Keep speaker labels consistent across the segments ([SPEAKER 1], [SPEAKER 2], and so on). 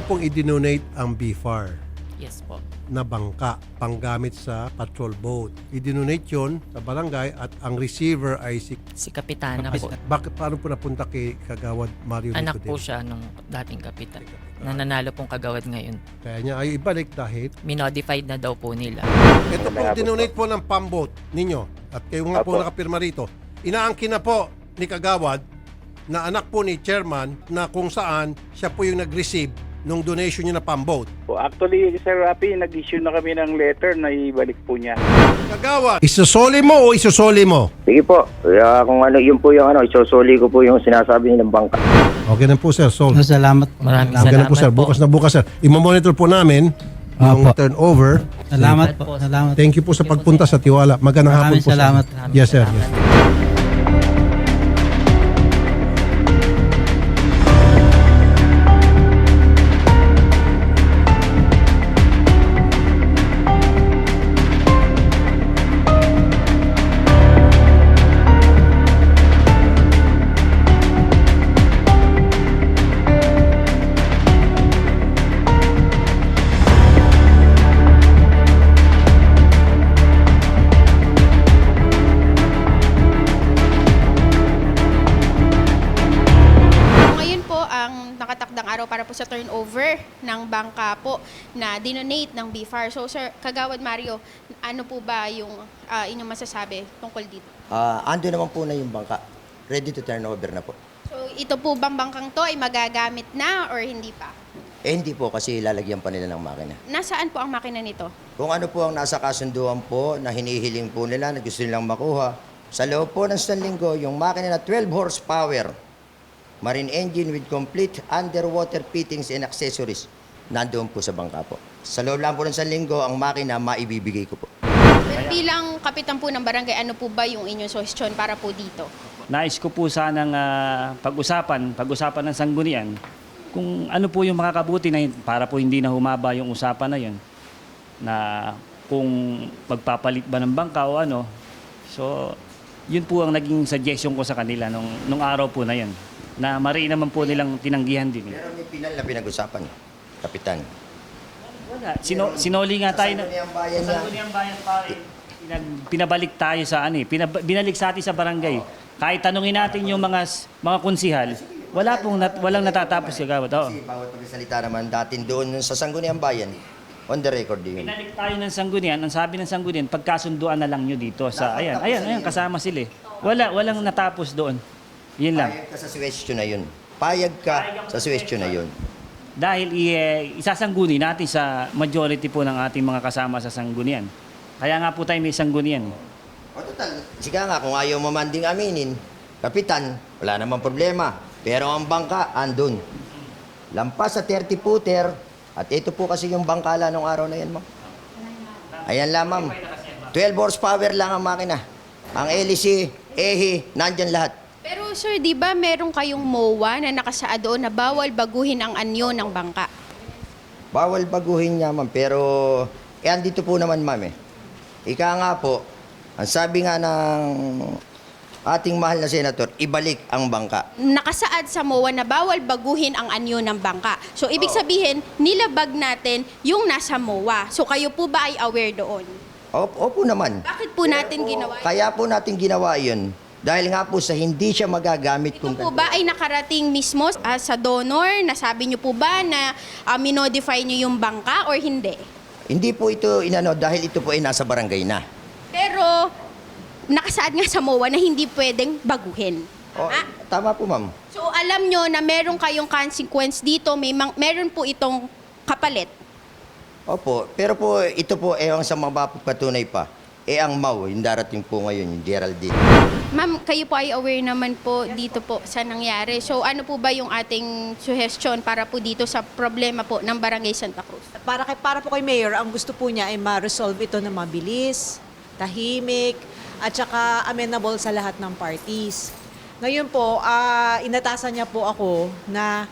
[SPEAKER 1] pong i-donate ang BFAR
[SPEAKER 2] Yes po.
[SPEAKER 1] na bangka panggamit sa patrol boat. I-donate yun sa barangay at ang receiver ay si...
[SPEAKER 2] Si Kapitana po.
[SPEAKER 1] Bakit, paano po napunta kay Kagawad Mario
[SPEAKER 2] Anak
[SPEAKER 1] Nicodemo?
[SPEAKER 2] po siya nung dating kapitan. Nananalo pong kagawad ngayon.
[SPEAKER 1] Kaya niya ay ibalik dahil
[SPEAKER 2] Minodified na daw po nila.
[SPEAKER 1] ito pong dinonate po ng pambot ninyo at kayo nga po
[SPEAKER 3] Apo.
[SPEAKER 1] nakapirma rito. Inaangkin na po ni Kagawad na anak po ni chairman na kung saan siya po yung nag-receive nung donation niya na pambot.
[SPEAKER 3] Actually, Sir Rapi, nag-issue na kami ng letter na ibalik po niya.
[SPEAKER 1] Kagawad, isusoli mo o isusoli mo?
[SPEAKER 4] Sige po. Kaya kung ano, yun po yung isusuli ko po yung sinasabi nilang bangka.
[SPEAKER 1] Okay na po sir, sold.
[SPEAKER 5] Salamat po.
[SPEAKER 2] Maraming
[SPEAKER 1] Okay na
[SPEAKER 2] salamat
[SPEAKER 1] po sir, bukas na bukas sir. I-monitor po namin yung
[SPEAKER 5] Opo.
[SPEAKER 1] turnover.
[SPEAKER 5] Salamat po. Salamat.
[SPEAKER 1] Thank you po sa pagpunta sa Tiwala. Magandang hapon
[SPEAKER 5] Maraming
[SPEAKER 1] po
[SPEAKER 5] salamat.
[SPEAKER 1] sir. Yes sir. Yes.
[SPEAKER 6] Ngayon po ang nakatakdang araw para po sa turnover ng bangka po na dinonate ng BFAR. So Sir Kagawad Mario, ano po ba yung inyong masasabi tungkol dito?
[SPEAKER 7] Ando naman po na yung bangka. Ready to turn over na po.
[SPEAKER 6] So ito po bang bangkang to ay magagamit na or hindi pa?
[SPEAKER 7] Hindi po kasi lalagyan pa nila ng makina.
[SPEAKER 6] Nasaan po ang makina nito?
[SPEAKER 7] Kung ano po ang nasa kasunduan po na hinihiling po nila na gusto nilang makuha, sa loob po ng 1 linggo, yung makina na 12 horsepower, marine engine with complete underwater fittings and accessories, nandoon po sa bangka po. Sa loob lang po ng 1 linggo, ang makina maibibigay ko po.
[SPEAKER 6] Pero bilang kapitan po ng barangay, ano po ba yung inyong suggestion para po dito?
[SPEAKER 8] Nais ko po sanang pag-usapan ng sanggunian kung ano po yung makakabuti na para po hindi na humaba yung usapan na yun na kung magpapalit ba ng bangka o ano. So, yun po ang naging suggestion ko sa kanila nung araw po na yun na mariin naman po nilang tinanggihan din.
[SPEAKER 7] Pero may pinal na pinag-usapan, Kapitan.
[SPEAKER 8] Wala. Sinoli nga tayo na...
[SPEAKER 7] Sangguniang bayan
[SPEAKER 8] Sa
[SPEAKER 7] niya.
[SPEAKER 8] Sangguniang Bayan pare, pinabalik tayo sa binalik sa atin sa barangay. Kahit tanungin natin yung mga konsihal, walang natatapos kagawad. Oo.
[SPEAKER 7] Kasi bawat pagsalita naman datin doon sa Sangguniang Bayan, on the record din.
[SPEAKER 8] Binalik tayo ng sanggunian, ang sabi ng sanggunian, pagkasunduan na lang nyo dito sa ayan, kasama sila eh. Walang natapos doon. Yun lang.
[SPEAKER 7] Payag ka sa question na yun. Payag ka sa question na yun.
[SPEAKER 8] Dahil isasangguni natin sa majority po ng ating mga kasama sa sanggunian. Kaya nga po tayo may sanggunian.
[SPEAKER 7] O total, sika nga, kung ayaw mo man ding aminin, Kapitan, wala namang problema. Pero ang bangka, andun. Lampas sa 30-footer, at ito po kasi yung bangkala nung araw na yan, ma'am. Ayan lang, ma'am. 12 horsepower lang ang makina. Ang LEC, EHI, nandyan lahat.
[SPEAKER 6] Pero sir, di ba meron kayong MOA na nakasaad doon na bawal baguhin ang anyo ng bangka?
[SPEAKER 7] Bawal baguhin niya, ma'am. Pero, andito po naman, ma'am, eh. Ika nga po, ang sabi nga ng ating mahal na senator, ibalik ang bangka.
[SPEAKER 6] Nakasaad sa MOA na bawal baguhin ang anyo ng bangka. So, ibig sabihin, nilabag natin yung nasa MOA. So, kayo po ba ay aware doon?
[SPEAKER 7] Opo naman.
[SPEAKER 6] Bakit po natin ginawa yun?
[SPEAKER 7] Kaya po natin ginawa yun. Dahil nga po sa hindi siya magagamit
[SPEAKER 6] Ito
[SPEAKER 7] kung
[SPEAKER 6] po ba ay nakarating mismo sa donor? Nasabi niyo po ba na minodify niyo yung bangka or hindi?
[SPEAKER 7] Hindi po ito inano dahil ito po ay nasa barangay na.
[SPEAKER 6] Pero, nakasaad nga sa MOA na hindi pwedeng baguhin.
[SPEAKER 7] Tama po, ma'am.
[SPEAKER 6] So, alam nyo na meron kayong consequence dito, meron po itong kapalit.
[SPEAKER 7] Opo, pero po ito po ang sa mapapatunay pa. Ang MAU, yung darating po ngayon, yung Geraldine.
[SPEAKER 6] Ma'am, kayo po ay aware naman po dito po sa nangyari. So, ano po ba yung ating suggestion para po dito sa problema po ng Barangay Santa Cruz?
[SPEAKER 9] Para po kay Mayor, ang gusto po niya ay ma-resolve ito na mabilis, tahimik, at saka amenable sa lahat ng parties. Ngayon po, inatasan niya po ako na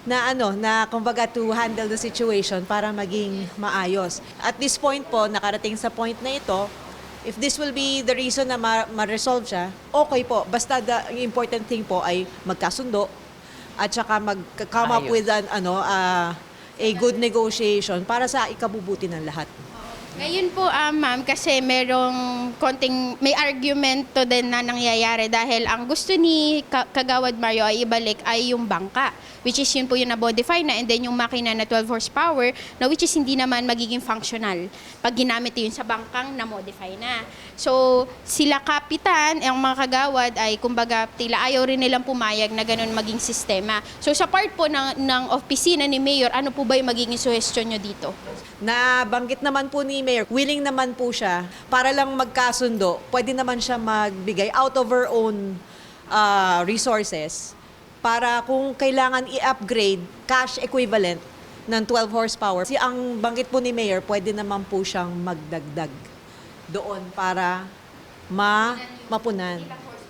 [SPEAKER 9] kumbaga to handle the situation para maging maayos. At this point po, nakarating sa point na ito, if this will be the reason na ma-resolve siya, okay po. Basta the important thing po ay magkasundo at saka mag-come up with a good negotiation para sa ikabubuti ng lahat.
[SPEAKER 6] Ngayon po, ma'am, kasi merong may argumento din na nangyayari dahil ang gusto ni Kagawad Mario ay ibalik ay yung bangka, which is yun po yung na-modify na, and then yung makina na 12 horsepower na which is hindi naman magiging functional pag ginamit yun sa bangkang na-modify na. So, sila kapitan, ang mga kagawad ay kumbaga tila ayaw rin nilang pumayag na ganun maging sistema. So, sa part po ng opisina ni Mayor, ano po ba yung magiging suggestion nyo dito?
[SPEAKER 9] Nabanggit naman po ni Mayor, willing naman po siya para lang magkasundo. Pwede naman siya magbigay out of her own resources para kung kailangan i-upgrade cash equivalent ng 12 horsepower. Ang banggit po ni Mayor, pwede naman po siyang magdagdag doon para mapunan.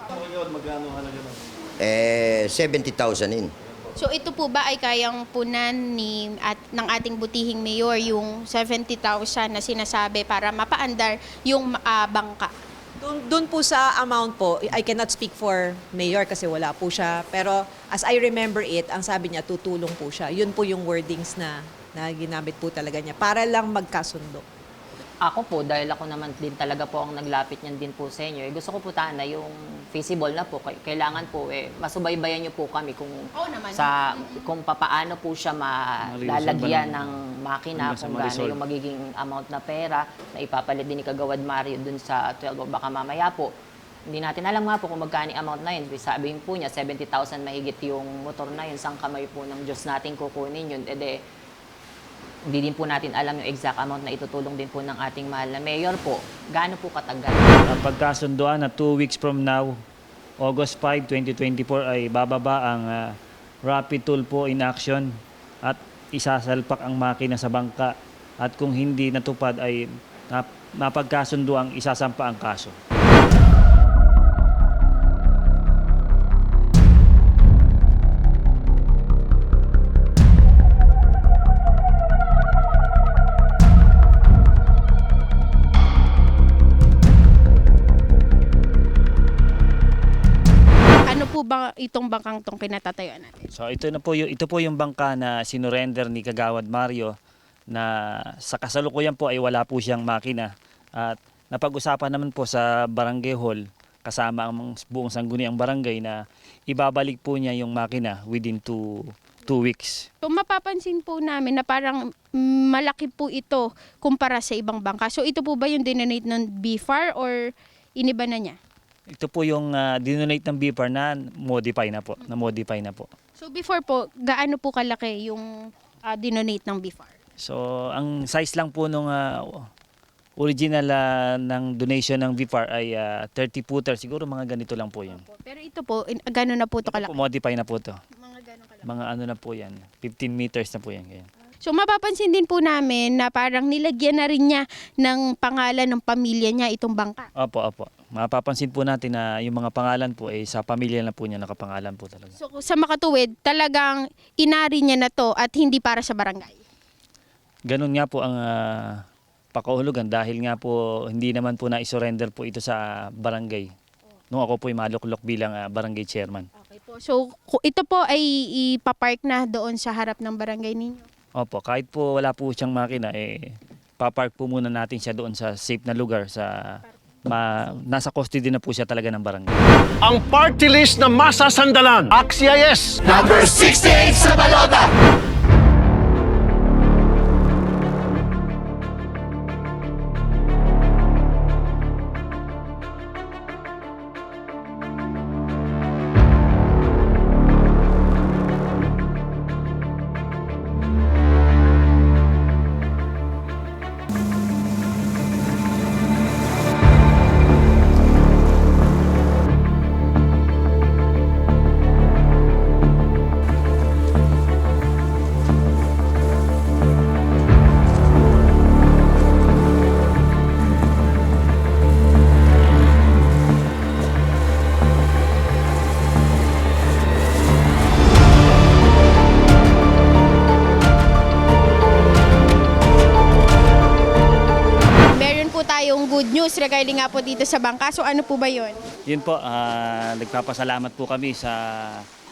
[SPEAKER 7] 70,000 in.
[SPEAKER 6] So ito po ba ay kayang punan ng ating butihing mayor yung 70,000 na sinasabi para mapaandar yung bangka?
[SPEAKER 9] Doon po sa amount po, I cannot speak for Mayor kasi wala po siya. Pero as I remember it, ang sabi niya, tutulong po siya. Yun po yung wordings na ginamit po talaga niya para lang magkasundo.
[SPEAKER 10] Ako po, dahil ako naman din talaga po ang naglapit niyan din po sa inyo, gusto ko po sana yung feasible na po. Kailangan po, masubaybayan niyo po kami kung kung papaano po siya malalagyan ng makina, kung gaano yung magiging amount na pera na ipapalit din ni Kagawad Mario dun sa 12 o baka mamaya po. Hindi natin alam nga po kung magkano amount na yun. Sabihin po niya, 70,000 mahigit yung motor na yun. Sang kamay po ng Diyos natin kukunin yun. Hindi din po natin alam yung exact amount na itutulong din po ng ating mahal na mayor po. Gaano po katagal?
[SPEAKER 8] Pagkasunduan na 2 weeks from now, August 5, 2024 ay bababa ang rapid tool po in action at isasalpak ang makina sa bangka at kung hindi natupad ay napagkasunduang isasampa ang kaso.
[SPEAKER 6] Ba itong bangkang tong kinatatayuan natin?
[SPEAKER 8] So ito po yung bangka na sinurrender ni Kagawad Mario na sa kasalukuyan po ay wala po siyang makina at napag-usapan naman po sa barangay hall kasama ang buong sangguniang barangay na ibabalik po niya yung makina within 2 weeks.
[SPEAKER 6] So mapapansin po namin na parang malaki po ito kumpara sa ibang bangka. So ito po ba yung dinonate ng BFAR or iniba na niya?
[SPEAKER 8] Ito po yung dinonate ng BFAR na modify na po.
[SPEAKER 6] So before po, gaano po kalaki yung dinonate ng BFAR?
[SPEAKER 8] So ang size lang po nung original ng donation ng BFAR ay 30 footer. Siguro mga ganito lang po yun.
[SPEAKER 6] Pero ito po, gano'n na po ito kalaki?
[SPEAKER 8] Po, modify na po ito.
[SPEAKER 6] Mga gano'n kalaki?
[SPEAKER 8] Mga ano na po yan. 15 meters na po yan. Ganyan.
[SPEAKER 6] So mapapansin din po namin na parang nilagyan na rin niya ng pangalan ng pamilya niya itong bangka.
[SPEAKER 8] Opo. Mapapansin po natin na yung mga pangalan po ay sa pamilya na po niya nakapangalan po talaga.
[SPEAKER 6] So sa makatuwid, talagang inari niya na to at hindi para sa barangay.
[SPEAKER 8] Ganun nga po ang pakahulugan dahil nga po hindi naman po na-surrender po ito sa barangay. Nung ako po ay maluklok bilang barangay chairman.
[SPEAKER 6] Okay po. So ito po ay ipapark na doon sa harap ng barangay ninyo?
[SPEAKER 8] Opo, kahit po wala po siyang makina, papark po muna natin siya doon sa safe na lugar sa nasa custody na po siya talaga ng barangay.
[SPEAKER 1] Ang party list na masasandalan. Axia yes!
[SPEAKER 7] Number 68 sa balota!
[SPEAKER 6] Good news regarding nga po dito sa bangka. So ano po ba yun?
[SPEAKER 8] Yun po, nagpapasalamat po kami sa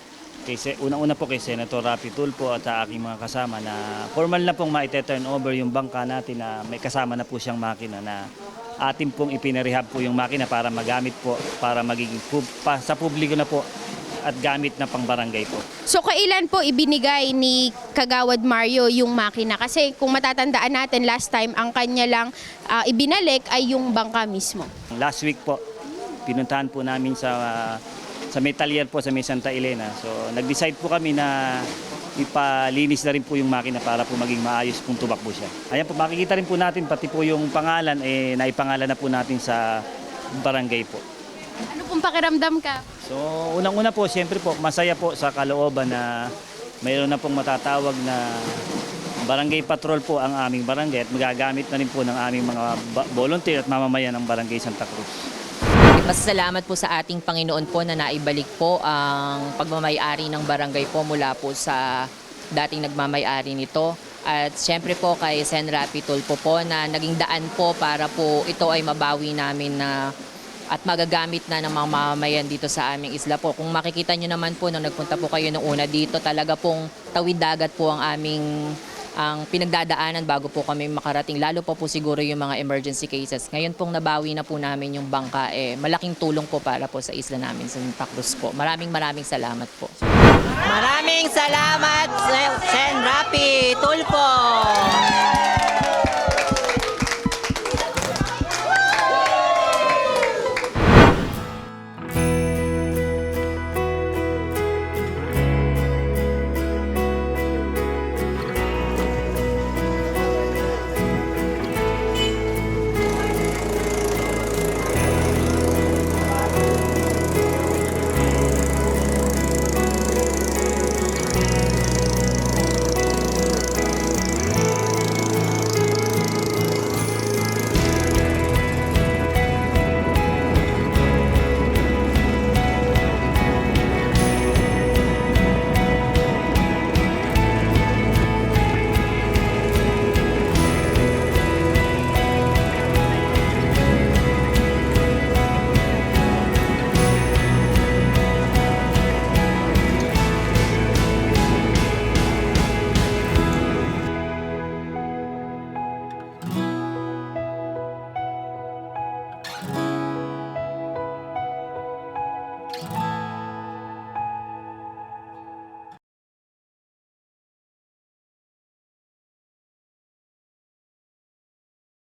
[SPEAKER 8] Unang-una po kay Senator Rapi Tulfo at sa aking mga kasama na formal na pong ma-turn over yung bangka natin na may kasama na po siyang makina na atin pong ipinarehab po yung makina para magamit po, para magiging sa publiko na po at gamit na pang barangay po.
[SPEAKER 6] So kailan po ibinigay ni Kagawad Mario yung makina? Kasi kung matatandaan natin last time, ang kanya lang ibinalik ay yung bangka mismo.
[SPEAKER 8] Last week po, pinuntahan po namin sa may talyer po sa may Santa Elena. So nag-decide po kami na ipalinis na rin po yung makina para po maging maayos kung tumakbo siya. Ayan po, makikita rin po natin pati po yung pangalan, naipangalan na po natin sa barangay po.
[SPEAKER 6] Ano pong pakiramdam ka?
[SPEAKER 8] So unang-una po, siyempre po, masaya po sa kalooban na mayroon na pong matatawag na barangay patrol po ang aming barangay at magagamit na rin po ng aming mga volunteer at mamamayan ng barangay Santa Cruz.
[SPEAKER 10] Masasalamat po sa ating Panginoon po na naibalik po ang pagmamayari ng barangay po mula po sa dating nagmamayari nito. At siyempre po kay Sen. Rapi Tulfo po na naging daan po para po ito ay mabawi namin na at magagamit na ng mga mamamayan dito sa aming isla po. Kung makikita nyo naman po nung nagpunta po kayo nung una dito, talaga pong tawid dagat po ang pinagdadaanan bago po kami makarating. Lalo po siguro yung mga emergency cases. Ngayon pong nabawi na po namin yung bangka. Malaking tulong po para po sa isla namin sa Santa Cruz po. Maraming salamat po. Maraming salamat, Sen. Rapi Tulfo!